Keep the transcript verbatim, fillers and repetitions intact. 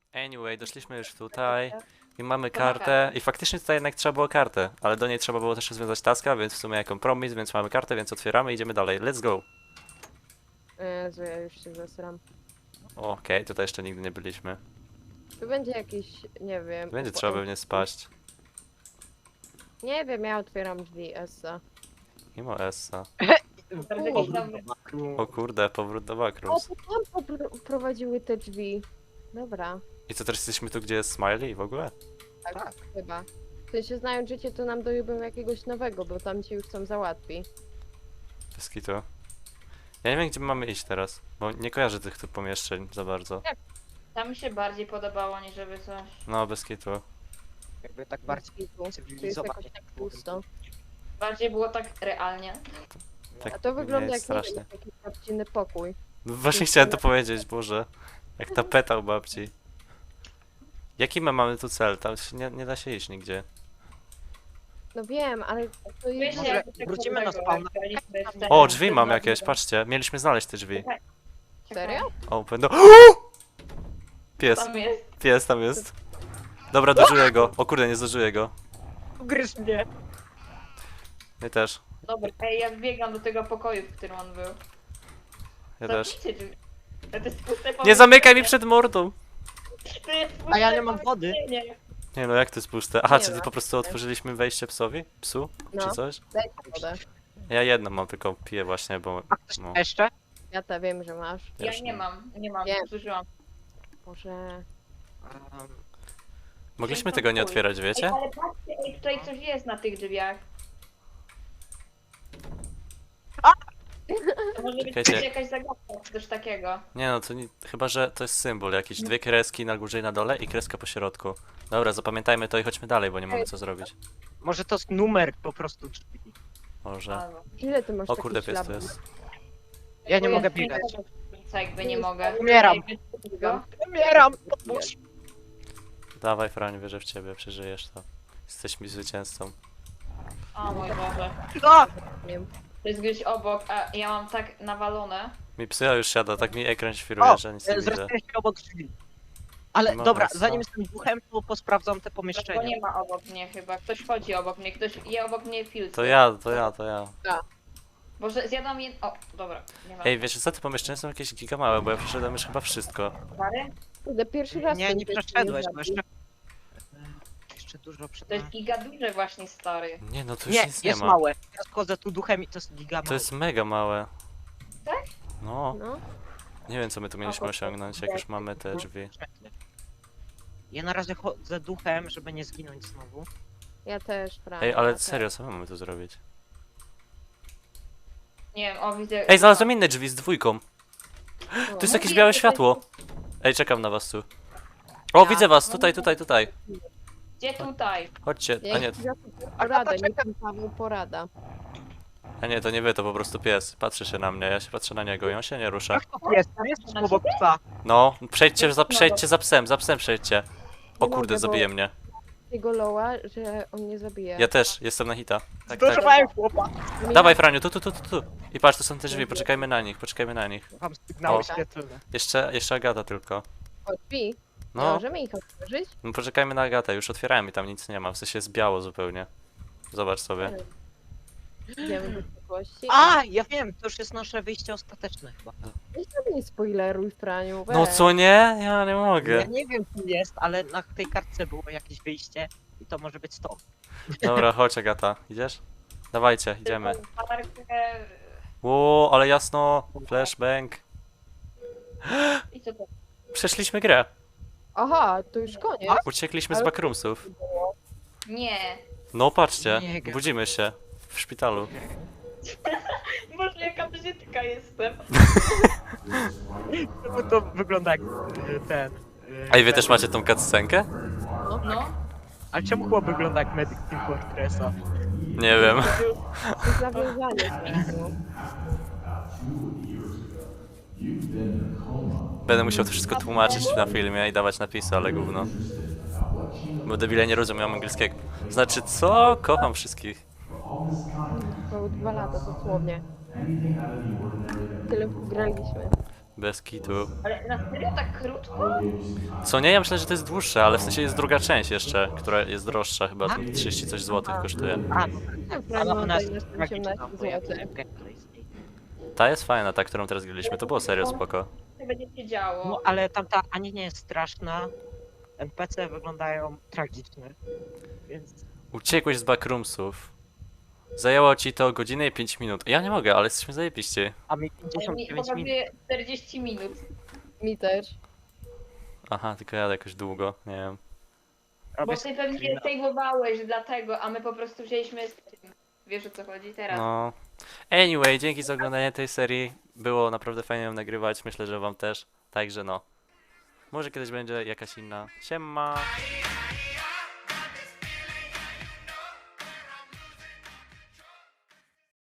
Anyway, doszliśmy już tutaj i mamy kartę i faktycznie tutaj jednak trzeba było kartę, ale do niej trzeba było też rozwiązać taska, więc w sumie jak kompromis, więc mamy kartę, więc otwieramy i idziemy dalej. Let's go! Jezu, ja już się zasram. Okej, tutaj jeszcze nigdy nie byliśmy. Tu będzie jakiś, nie wiem... Będzie upo- trzeba pewnie spaść. Nie wiem, ja otwieram drzwi Essa. Mimo Essa. U, O kurde, powrót do O, Backrooms. to tam popro- prowadziły te drzwi. Dobra, I co, teraz jesteśmy tu, gdzie jest Smiley w ogóle? tak, Tak. chyba. W sensie znając życie, to nam dojebią jakiegoś nowego, bo tam cię już są załatwi. Bez kitu. Ja nie wiem, gdzie my mamy iść teraz, bo nie kojarzę tych tu pomieszczeń za bardzo. Tam mi się bardziej podobało, niż żeby coś. No, bez kitu. Jakby tak bardziej Tu, tu jest cywilizowanie. jakoś tak pusto. Bardziej było tak realnie. Tak A to wygląda nie jak jest strasznie. nie wiem, jakiś babciny pokój. No właśnie chciałem to powiedzieć, Boże. Jak tapeta u babci. Jaki my mamy tu cel? Tam się nie, nie da się iść nigdzie. No wiem, ale to jest... Wiecie, jak to wrócimy na tego, spawna. jak graliśmy w te- O, drzwi mam jakieś, patrzcie. Mieliśmy znaleźć te drzwi. Serio? Open door. Pies, Tam jest. pies tam jest. Dobra, dożyję go. O kurde, nie zdążyłem go. Gryź mnie! Nie też. Dobra, ej, ja wbiegam do tego pokoju, w którym on był. Ja też. Zamknijcie drzwi. To jest puste Nie pomieszczenie. zamykaj mi przed mordą! To jest A ja puste nie mam wody. pomieszczenie. Nie no, jak to jest puste? Aha, Nie czyli ma. po prostu otworzyliśmy wejście psowi? Psu? No. Czy coś? Dajcie wodę. Ja jedno mam, tylko piję właśnie, bo... A ktoś No. jeszcze? Ja to wiem, że masz. Ja Też nie mam, nie mam, Wiem. zużyłam. Może... Um, Mogliśmy tego nie otwierać, Ej, wiecie? ale patrzcie, ej, tutaj coś jest na tych drzwiach. A! To może być Czekajcie. jakaś zagadka, czy coś takiego. Nie no, to nie, chyba, że to jest symbol jakiś. Dwie kreski na górze i na dole i kreska po środku. Dobra, zapamiętajmy to i chodźmy dalej, bo nie mamy co zrobić. może to jest numer po prostu drzwi. Może. Albo. Ile ty masz O takich kurde, pies to śladów? jest. Ja nie Bo mogę ja biegać. Co, jakby nie mogę. Umieram. Ej, wiecie tego? Umieram! Pomóż! Dawaj, Franiu, wierzę w ciebie, przeżyjesz to. Jesteś mi zwycięzcą. O mój Boże. A! Nie wiem. To jest gdzieś obok, a ja mam tak nawalone. Mi psycha już siada, tak mi ekran świruje, O! że nic nie e, widzę. Zresztą się obok drzwi. Ale No, dobra, no, zanim co? jestem duchem, to posprawdzam te Bo pomieszczenia. nie ma obok mnie chyba. Ktoś chodzi obok mnie, ktoś je obok mnie filtr. To ja, to ja, to ja. Boże, zjadam je... O, dobra. Nie ma. Ej, wiesz co, te pomieszczenia są jakieś giga małe, bo ja przeszedłem już chyba wszystko. Pary? Kurde, pierwszy raz... Nie, ten nie pies przeszedłeś, mnie bo zabił. jeszcze... Jeszcze dużo przed To jest nami. giga duże właśnie, stary. Nie no, tu już Nie, nic nie jest ma. małe. Ja schodzę tu duchem i to jest giga To małe. jest mega małe. Tak? No, No, nie wiem co my tu mieliśmy to- osiągnąć, jak już mamy te drzwi. Ja na razie chodzę duchem, żeby nie zginąć znowu. ja też, prawda. Ej, ale serio, co my mamy tu zrobić? Nie wiem, o widzę... Ej, znalazłem inne drzwi z dwójką. To Tu jest jakieś białe światło. Ej, czekam na was tu. O, widzę was, tutaj, tutaj, tutaj. Gdzie tutaj? Chodźcie. A nie, Porada, nie pan Paweł porada. a nie, to nie wy, to po prostu pies. Patrzy się na mnie, ja się patrzę na niego i on się nie rusza. Jak to jest? Tam jest obok psa. No, przejdźcie za, przejdźcie za psem, za psem przejdźcie. O Nie kurde, mogę, bo- zabije mnie. Jego loła, że on nie zabije. Ja też, jestem na hita. Tak, tak. Zdążowałem chłopa. Mi- Dawaj, Franiu, tu, tu, tu, tu, tu. I patrz, to są te drzwi, poczekajmy na nich, poczekajmy na nich. Mam sygnały O. świetlne. Jeszcze, jeszcze Agata tylko. O, drzwi. No. No, Możemy ich otworzyć? no poczekajmy na Agatę, już otwierałem i tam nic nie ma, w sensie jest biało zupełnie. Zobacz sobie. Idziemy do przyszłości. A, ja wiem, to już jest nasze wyjście ostateczne chyba. Weź sobie nie spoileruj, Franiu, weź. No co nie? Ja nie Ja mogę. nie wiem, co jest, ale na tej kartce było jakieś wyjście i to może być to. Dobra, chodź Agata, idziesz? Dawajcie, idziemy. Latarkę... Ło, ale jasno, flashbang. I co to? Przeszliśmy grę. Aha, to już koniec. Uciekliśmy z Ale- backroomsów. Nie. No patrzcie, Nie gra. budzimy się w szpitalu. Boże, jaka brzydka jestem. Bo to wygląda jak y, ten. y, A i wy ten- też macie tą cutscenkę? No. Ale czemu chłop wygląda jak Medic Team Fortressa? Nie wiem. To jest nawiązanie. Franiu. Będę musiał to wszystko tłumaczyć na filmie i dawać napisy, ale gówno. Bo debile nie rozumieją angielskiego. Znaczy co? Kocham wszystkich. Było dwa lata dosłownie. Tyle graliśmy. Bez kitu. Ale na serio tak krótko? Co nie? Ja myślę, że to jest dłuższe, ale w sensie jest druga część jeszcze, która jest droższa, chyba tam trzydzieści coś złotych kosztuje. A, no tak, No, ale no, ona to jest jest tragiczna, osiemnaście bo ja złotych. gameplay z niej. Ta jest fajna, ta, którą teraz graliśmy, to było serio spoko. Co będzie się działo? No ale tamta ani nie jest straszna, N P C wyglądają tragicznie, więc Uciekłeś z backroomsów. Zajęło ci to godzinę i pięć minut. Ja nie mogę, ale jesteśmy zajebiście. a mi Mi pięćdziesiąt dziewięć minut. pokazuje czterdzieści minut. Mi też. Aha, tylko jadę jakoś długo, nie wiem. Robię Bo ty pewnie screena. save'owałeś dlatego, a my po prostu wzięliśmy z tym. Wiesz o co chodzi teraz? No. Anyway, dzięki za oglądanie tej serii. Było naprawdę fajnie ją nagrywać, myślę, że wam też. Także no. Może kiedyś będzie jakaś inna. Siema!